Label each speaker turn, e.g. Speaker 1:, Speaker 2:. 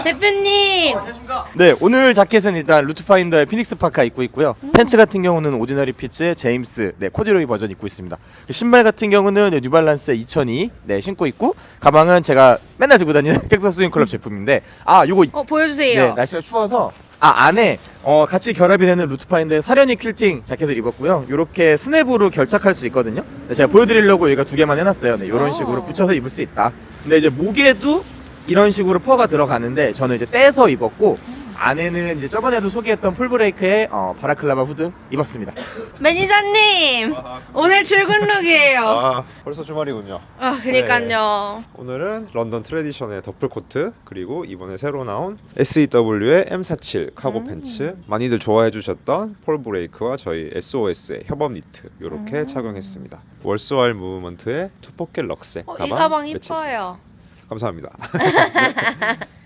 Speaker 1: 대표님.
Speaker 2: 네, 오늘 자켓은 일단 루트파인더의 피닉스 파카 입고 있고요. 팬츠 같은 경우는 오디너리 피츠의 제임스 코듀로이 버전 입고 있습니다. 신발 같은 경우는 뉴발란스 2002 신고 있고, 가방은 제가 맨날 들고 다니는 텍사스 스윙클럽 제품인데, 요거
Speaker 1: 보여주세요.
Speaker 2: 네, 날씨가 추워서 안에 같이 결합이 되는 루트파인더의 사려니 퀼팅 자켓을 입었고요. 요렇게 스냅으로 결착할 수 있거든요. 네, 제가 보여드리려고 여기가 두 개만 해놨어요. 네, 요런 식으로 붙여서 입을 수 있다. 근데 이제 목에도 이런 식으로 퍼가 들어가는데, 저는 이제 떼서 입었고, 안에는 이제 저번에도 소개했던 풀브레이크의 바라클라바 후드 입었습니다.
Speaker 1: 매니저님, 오늘 출근 룩이에요.
Speaker 3: 벌써 주말이군요.
Speaker 1: 그니까요.
Speaker 3: 오늘은 런던 트레디션의 더플 코트, 그리고 이번에 새로 나온 SEW의 M47 카고 팬츠, 많이들 좋아해 주셨던 폴 브레이크와 저희 SOS의 협업 니트 이렇게 착용했습니다. 월스와일 무브먼트의 투포켓 럭색
Speaker 1: 이
Speaker 3: 가방
Speaker 1: 가방
Speaker 3: 매치했습니다.
Speaker 1: 이뻐요.
Speaker 3: 감사합니다.